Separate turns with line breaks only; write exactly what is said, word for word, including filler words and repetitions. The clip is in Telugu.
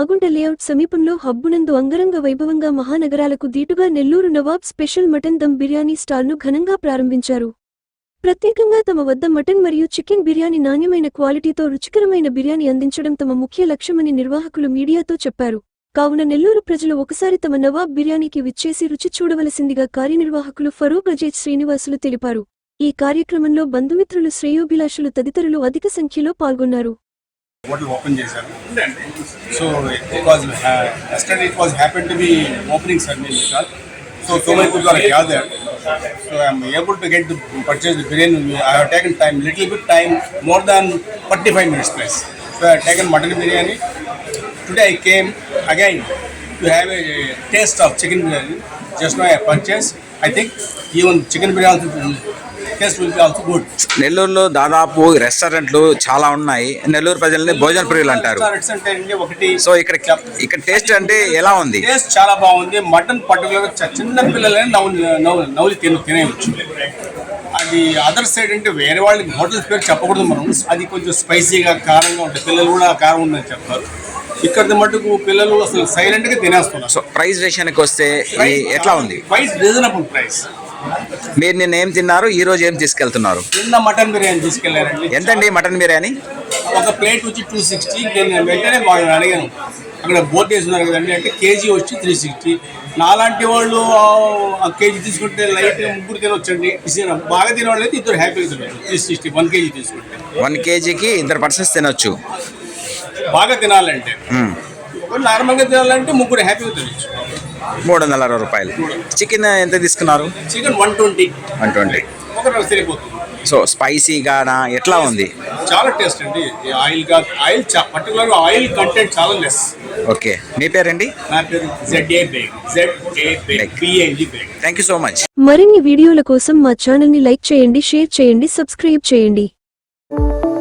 మాగుంట లేఅవుట్ సమీపంలో హబ్బునందు అంగరంగ వైభవంగా మహానగరాలకు దీటుగా నెల్లూరు నవాబ్ స్పెషల్ మటన్ దమ్ బిర్యానీ స్టాల్ను ఘనంగా ప్రారంభించారు. ప్రత్యేకంగా తమ వద్ద మటన్ మరియు చికెన్ బిర్యానీ నాణ్యమైన క్వాలిటీతో రుచికరమైన బిర్యానీ అందించడం తమ ముఖ్య లక్ష్యమని నిర్వాహకులు మీడియాతో చెప్పారు. కావున నెల్లూరు ప్రజలు ఒకసారి తమ నవాబ్ బిర్యానీకి విచ్చేసి రుచి చూడవలసిందిగా కార్యనిర్వాహకులు ఫరూక్ అజేజ్ శ్రీనివాసులు తెలిపారు. ఈ కార్యక్రమంలో బంధుమిత్రులు, శ్రేయోభిలాషులు తదితరులు అధిక సంఖ్యలో పాల్గొన్నారు.
Hotel open చేశారు. So it was uh, yesterday it was happened to be opening ceremony because so so many people are gathered. So I am able to get to purchase the biryani. I have taken time, little bit time, more than forty-five minutes plus. So I have taken mutton biryani. Today I came again to have a taste of chicken biryani. Just now I purchased. I think even chicken biryani taste will be also good.
నెల్లూరులో దాదాపు రెస్టారెంట్లు చాలా ఉన్నాయి. నెల్లూరు ప్రజల్ని భోజన ప్రియులు అంటారు. సో ఇక్కడ ఇక్కడ టేస్ట్ అంటే ఎలా ఉంది?
టేస్ట్ చాలా బాగుంది. మటన్ పర్టికులర్ చిన్న పిల్లలే నవ్వు నవ్వులు తిన తినేయచ్చు. అది అదర్ సైడ్ అంటే వేరే వాళ్ళకి హోటల్స్ పేరు చెప్పకూడదు మనం. అది కొంచెం స్పైసీగా కారంగా ఉంటుంది. పిల్లలు కూడా కారం ఉందని చెప్తారు. ఇక్కడ మటుకు పిల్లలు అసలు సైలెంట్ గా తినేస్తున్నారు.
సో ప్రైస్ విషయానికి వస్తే ఎట్లా ఉంది?
Price reasonable price.
మీరు నిన్న ఏం తిన్నారు, ఈ రోజు ఏం తీసుకెళ్తున్నారు?
నిన్న మటన్ బిర్యానీ తీసుకెళ్లారండి.
ఎంతండి మటన్ బిర్యానీ?
ఒక ప్లేట్ వచ్చి టూ సిక్స్టీ. నేను వెంటనే వాళ్ళని అడిగాను, అక్కడ బోర్డు వేస్తున్నారు కదండి అంటే కేజీ వచ్చి త్రీ సిక్స్టీ. నాలాంటి వాళ్ళు ఆ కేజీ తీసుకుంటే లైట్ ముగ్గురు తినొచ్చండి. బాగా తినేవాళ్ళు అయితే ఇద్దరు హ్యాపీగా తినవచ్చు. త్రీ సిక్స్టీ వన్ కేజీ తీసుకుంటే
వన్ కేజీకి ఇద్దరు పర్సన్స్ తినొచ్చు.
బాగా తినాలంటే నార్మల్గా తినాలంటే ముగ్గురు హ్యాపీగా తినచ్చు.
మూడు వందల అరవై రూపాయలు. చికెన్ ఎంత తీసుకున్నారు?
Chicken one twenty
one twenty
ఒకటి సరిపోతుంది.
సో స్పైసీగానా ఎట్లా ఉంది?
చాలా టేస్ట్ అండి. ఆయిల్ గా ఆయిల్ పర్టికులర్ ఆయిల్ కంటెంట్ చాలా లెస్.
ఓకే, మీ పేరండి?
నా పేరు Z A Baig. Z A Baig B A G Baig.
Thank you so much.
మరిన్ని వీడియోల కోసం మా ఛానల్ ని లైక్ చేయండి, షేర్ చేయండి, సబ్స్క్రైబ్ చేయండి.